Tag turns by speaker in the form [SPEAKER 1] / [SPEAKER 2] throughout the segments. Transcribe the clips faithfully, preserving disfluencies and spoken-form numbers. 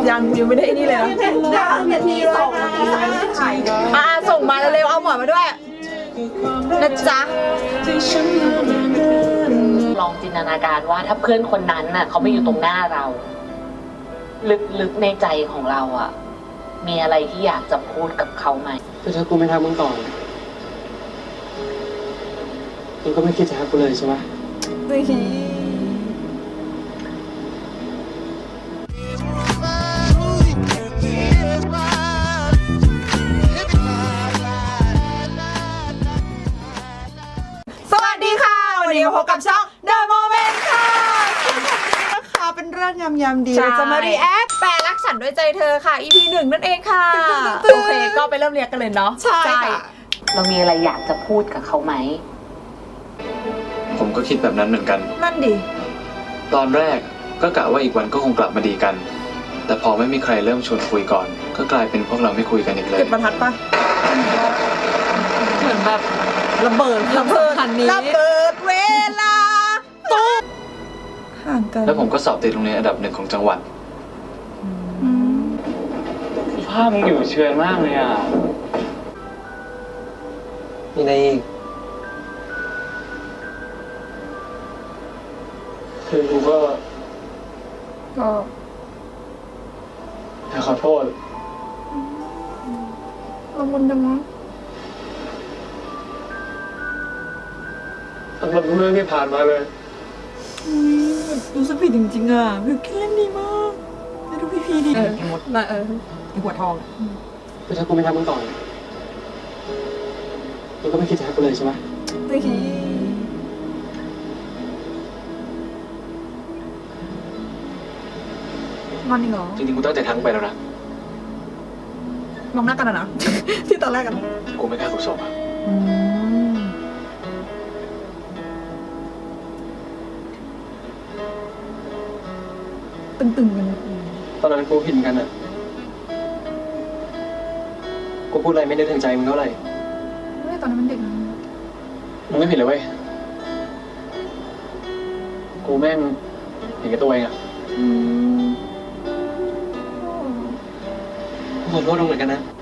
[SPEAKER 1] ยังยังไม่ได้นี่เลยนะนาทีสองนาทีสามนาทีถ่ายอ่าส่งมาเร็วๆเอาหมอนมาด้วยนะจ๊ะ
[SPEAKER 2] ลองจินตนาการว่าถ้าเพื่อนคนนั้นน่ะเขาไม่อยู่ตรงหน้าเรา ลึกๆในใจของเราอ่ะมีอะไรที่อยากจะพูดกับเขาไหม
[SPEAKER 3] แต่ถ้ากูไม่ทักมึงก่อนมึงก็ไม่คิดจะทักกูเลยใช่ไหม
[SPEAKER 1] สวัสดีค่ะวันนี้มาพบกับช่อง The Moment ค่ะซึ่งวันนี้นะคะเป็นเรื่องยำๆดีเราจะมารีแอคแปลรักฉันด้วยใจเธอค่ะ อี พี หนึ่งนั่นเองค่ะโอเคก็ไปเริ่มเรียกกันเลยเนาะใช่
[SPEAKER 2] เรามีอะไรอยากจะพูดกับเขาไหม
[SPEAKER 4] ผมก็คิดแบบนั้นเหมือนกัน
[SPEAKER 1] นั่นดิ
[SPEAKER 4] ตอนแรกก็กะว่าอีกวันก็คงกลับมาดีกันแต่พอไม่มีใครเริ่มชวนคุยก่อนก็กลายเป็นพวกเราไม่คุยกันอีกเลย
[SPEAKER 1] จุดประทัดปะ
[SPEAKER 2] เหมือนแบบ
[SPEAKER 1] ระเบิดระเบิดระเบิดเวลาตุ๊บห่างกัน
[SPEAKER 4] แล้วผมก็สอบติดโรงเรียนอันดับหนึ่งของจังหวัดภาพมึงอยู่เชื่อมากเลยอ่ะ
[SPEAKER 3] มีอะไรอีกคือกูก็
[SPEAKER 1] ก็
[SPEAKER 3] อยากขอโทษ
[SPEAKER 1] ละมุนจังมั้ง
[SPEAKER 3] สำหรับเรื่องที่ผ่านมาเลย
[SPEAKER 1] รู้สึกผิดจริงๆอ่ะบิวกิ้นเล่นดีมากไม่ดูพี่พีดี
[SPEAKER 2] เออหมด
[SPEAKER 1] นะเออหัวทอง
[SPEAKER 3] แต่ถ้ากูไม่ทักมึงก่อนมึงก็ไม่คิดจะทักกูเลยใช่ไหม
[SPEAKER 1] มันนี่เหรอ
[SPEAKER 4] จริงๆกูตั้งใจทักไปแล้วนะ
[SPEAKER 1] มองหน้ากันนะที่ตอนแรกกัน
[SPEAKER 4] กูไม่กล้ากูส่งอ่ะ
[SPEAKER 1] ตึงๆกัน
[SPEAKER 3] ตอนนั้นกูผิดกันอ่ะกูพูดอะไรไม่ได้ถึงใจมึงเท่าไหร่
[SPEAKER 1] ไม่ตอนนั้นมันเด็กนะ
[SPEAKER 3] มึงไม่ผิดเลยเว้ยกูแม่งเห็นแก่ตัวเองอ่ะขอโทษตรงไหนกันนะ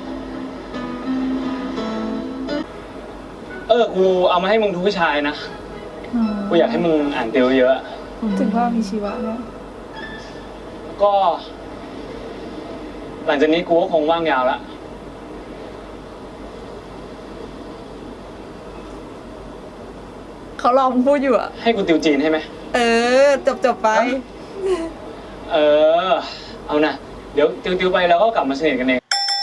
[SPEAKER 3] เออกูเอามาให้มึงทุกวิชานะกูอยากให้มึงอ่านเตียวเยอะ
[SPEAKER 1] ถึงว่ามีชีวะแล้ว
[SPEAKER 3] ก็หลังจากนี้กูก็คงว่างยาวแล้ว
[SPEAKER 1] เขาลองพูดอยู่อะ
[SPEAKER 3] ให้กูติวจีนให้ไหม
[SPEAKER 1] เออจบจบไป
[SPEAKER 3] เออเอานะเดี๋ยวติวติวไปแล้วก็กลับมาสนิทกันเอง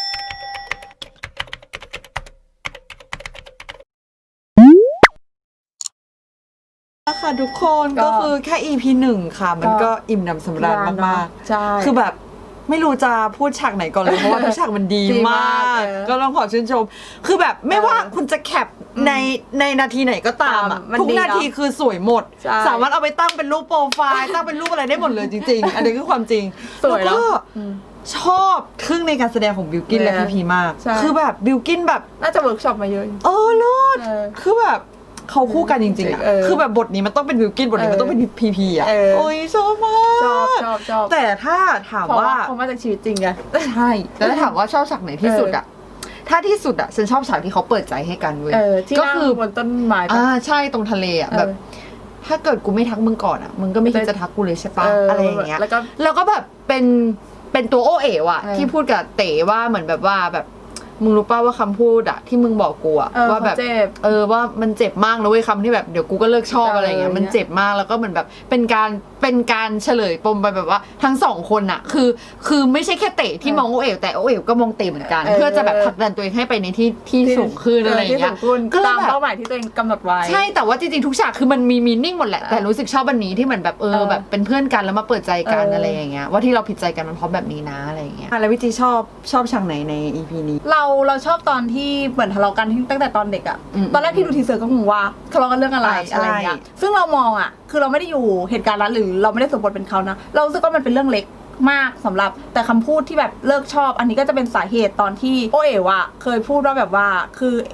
[SPEAKER 1] ค่ะทุกคนก็คือแค่ อี พี หนึ่งค่ะมันก็อิ่มหนำสำราญมากๆใช่คือแบบไม่รู้จะพูดฉากไหนก่อนเลยเพราะว่าทุกฉากมันดีมากก็ต้องขอชื่นชมคือแบบไม่ว่าคุณจะแคปในในนาทีไหนก็ตามอ่ะทุกนาทีคือสวยหมดสามารถเอาไปตั้งเป็นรูปโปรไฟล์ตั้งเป็นรูปอะไรได้หมดเลยจริงๆอันนี้คือความจริงแล้วก็ชอบทึ่งในการแสดงของบิลกินและพีพีมากคือแบบบิลกินแบบ
[SPEAKER 2] น่าจะเวิร์กช็อปมาเยอะ
[SPEAKER 1] เออเลิศคือแบบเขาคู่กันจริงๆอ่ะคือแบบบทนี้มันต้องเป็นบิลกินบทนี้มันต้องเป็นพีพีอ่ะโอ้ยชอบมาก
[SPEAKER 2] ชอบชอบชอบ
[SPEAKER 1] แต่ถ้าถามว่า
[SPEAKER 2] เขามาจากชีวิตจริงไง
[SPEAKER 1] ใช่แล้วถามว่าชอบฉากไหนที่สุดอ่ะถ้าที่สุดอ่ะฉันชอบฉากที่เขาเปิดใจให้กันเว้ย
[SPEAKER 2] ก็คือบนต้นไม้
[SPEAKER 1] อ่าใช่ตรงทะเลอ่ะแบบถ้าเกิดกูไม่ทักมึงก่อนอ่ะมึงก็ไม่คิดจะทักกูเลยใช่ปะอะไรอย่างเงี้ยแล้วก็แล้วก็แบบเป็นเป็นตัวโอเอ๋ว่ะที่พูดกับเต๋ว่าเหมือนแบบว่าแบบมึงรู้ป่าวว่าคำพูดอะที่มึงบอกกูอะว่าแบบเออว่ามันเจ็บมากนะเว้ยคำที่แบบเดี๋ยวกูก็เลิกชอบอะไรเงี้ยมันเจ็บมากแล้วก็เหมือนแบบเป็นการเป็นการเฉลยปมไปแบบว่าทั้งสองคนอะคือคือไม่ใช่แค่เต๋ที่มองโอเอ๋วแต่โอเอ๋วก็มองเต๋เหมือนกันเพื่อจะแบบผลักดันตัวเองให้ไปในที่ที่สูงขึ้นอะไรเงี้ย
[SPEAKER 2] ก็ตามเป้าหมายที่ตัวเองกำหนดไว้
[SPEAKER 1] ใช่แต่ว่าจริงๆทุกฉากคือมันมีมีนิ่งหมดแหละแต่รู้สึกชอบวันนี้ที่เหมือนแบบเออแบบเป็นเพื่อนกันแล้วมาเปิดใจกันอะไรอย่างเงี้ยว่าที่เราผิดใจกันมันเพราะแบบนี้นะอะไรเงี้ยแล้ววิจิชอบชอบฉากไหนใน อี พี นี้
[SPEAKER 2] เราเราชอบตอนที่เหมือนทะเลาะกันตั้งแต่ตอนเด็กอะตอนแรกที่ดูทีเซอร์ก็งงว่าทะเลาะกันเรื่องอะไรอะไรอย่างเงี้ยซึ่งเรามองอะคือเราไม่ได้อยู่เหตุการณ์นั้นหรือเราไม่ได้สมบทเป็นเขานะเรารู้สึกว่ามันเป็นเรื่องเล็กมากสำหรับแต่คำพูดที่แบบเลิกชอบอันนี้ก็จะเป็นสาเหตุตอนที่โอเอ๋วอะเคยพูดว่าแบบว่าคือ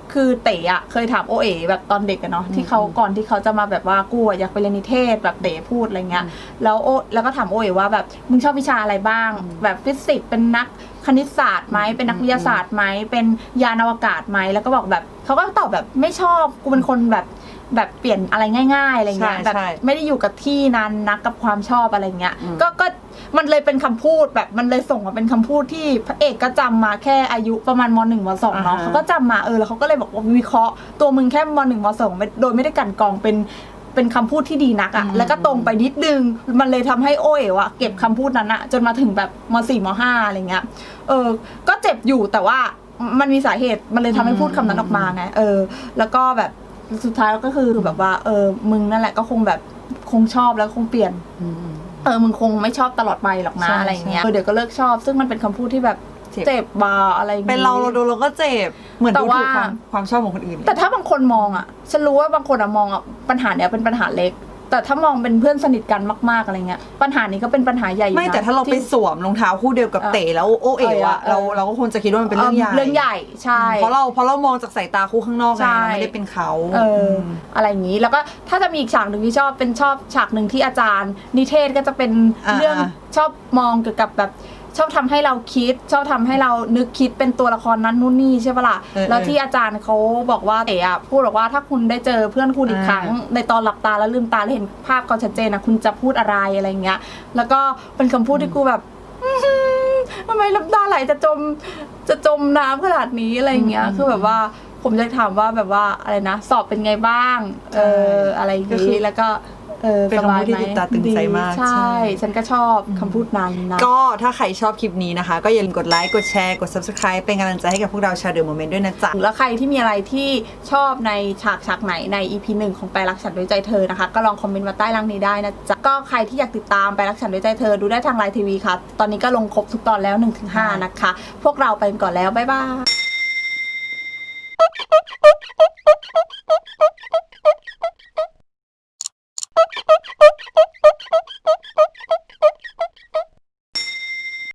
[SPEAKER 2] คือเต๋อะเคยถามโอเอ๋แบบตอนเด็กอะเนาะที่เขาก่อนที่เขาจะมาแบบว่ากูอะอยากไปเรียนนิเทศแบบเต๋พูดอะไรเงี้ยแล้วโอแล้วก็ถามโอเอ๋ว่าแบบมึงชอบวิชาอะไรบ้างแบบฟิสิกส์เป็นนักคณิตศาสตร์ไหมเป็นนักวิทยาศาสตร์ไหมเป็นยานอวกาศไหมแล้วก็บอกแบบเขาก็ตอบแบบไม่ชอบกูเป็นคนแบบแบบเปลี่ยนอะไรง่ายๆอะไรเงี้ยแบบไม่ได้อยู่กับที่นานนักกับความชอบอะไรเงี้ยก็ก็มันเลยเป็นคำพูดแบบมันเลยส่งมาเป็นคำพูดที่พระเอกก็จำมาแค่อายุประมาณมหนึ่งมสองเนาะเขาก็จำมาเออแล้วเขาก็เลยบอกว่าวิเคราะห์ตัวมึงแค่มหนึ่งมสองโดยไม่ได้กันกรองเป็นเป็นคำพูดที่ดีนักอะแล้วก็ตรงไปนิดนึงมันเลยทำให้โอเอ๋วอะเก็บคำพูดนั้นอะจนมาถึงแบบมสี่มห้าอะไรเงี้ยเออก็เจ็บอยู่แต่ว่ามันมีสาเหตุมันเลยทำให้พูดคำนั้นออกมาไงเออแล้วก็แบบสุดท้ายก็คือแบบว่าเออมึงนั่นแหละก็คงแบบคงชอบแล้วคงเปลี่ยนเออมึงคงไม่ชอบตลอดไปหรอกนะอะไรเงี้ยเดี๋ยวก็เลิกชอบซึ่งมันเป็นคำพูดที่แบบเจ็บบาอะไรอย่างงี้
[SPEAKER 1] เป็นเราเราดูเราก็เจ็บเหมือนดูถูกความความชอบของคนอื่น
[SPEAKER 2] แต่ถ้าบางคนมองอ่ะฉันรู้ว่าบางคนอ่ะมองอ่ะปัญหาเนี้ยเป็นปัญหาเล็กแต่ถ้ามองเป็นเพื่อนสนิทกันมากๆอะไรเงี้ยปัญหานี้ก็เป็นปัญหาใหญ่
[SPEAKER 1] ไม่แต่ถ้าเราไปสวมรองเท้าคู่เดียวกับเต๋แล้วโอเอ๋วอะเราเราก็คงจะคิดว่ามันเป็นเรื่องใหญ่
[SPEAKER 2] เรื่องใหญ่ใช่
[SPEAKER 1] เพราะเราเพราะเรามองจากสายตาคู่ข้างนอกไงเราไม่ได้เป็นเขา
[SPEAKER 2] เอออะไรอย่างนี้แล้วก็ถ้าจะมีอีกฉากหนึ่งที่ชอบเป็นชอบฉากหนึ่งที่อาจารย์นิเทศก็จะเป็นเรื่องชอบมองเกี่ยวกับแบบชอบทำให้เราคิดชอบทำให้เรานึกคิดเป็นตัวละครนั้นนู่นนี่ใช่ปะล่ะแล้วที่อาจารย์เขาบอกว่าเต๋อะพูดบอกว่าถ้าคุณได้เจอเพื่อนคุณอีกครั้งในตอนหลับตาแล้วลืมตาแล้วเห็นภาพเขาชัดเจนนะคุณจะพูดอะไรอะไรเงี้ยแล้วก็เป็นคำพูดที่กูแบบทำไมน้ำตาไหลจะจมจะจมน้ำขนาดนี้อะไรเงี้ยคือแบบว่าผมจะถามว่าแบบว่าอะไรนะสอบเป็นไงบ้างเอออะไรอย่างงี้แล้วก็เออ
[SPEAKER 1] เป็นคำพูดที่ติดตาตึงใจมาก
[SPEAKER 2] ใช่ฉันก็ชอบคำพูดนั้นนะ
[SPEAKER 1] ก็ถ้าใครชอบคลิปนี้นะคะก็อย่าลืมกดไลค์กดแชร์กด ซับสไครบ์ เป็นกำลังใจให้กับพวกเราชาวเดอะโมเมนต์ด้วยนะจ๊ะ
[SPEAKER 2] แล้วใครที่มีอะไรที่ชอบในฉากฉากไหนใน อี พี หนึ่งของแปลรักฉันด้วยใจเธอนะคะก็ลองคอมเมนต์มาใต้ล่างนี้ได้นะจ๊ะก็ใครที่อยากติดตามแปลรักฉันด้วยใจเธอดูได้ทางไลน์ทีวีค่ะตอนนี้ก็ลงครบทุกตอนแล้ว หนึ่งถึงห้า นะคะพวกเราไปก่อนแล้วบ๊ายบาย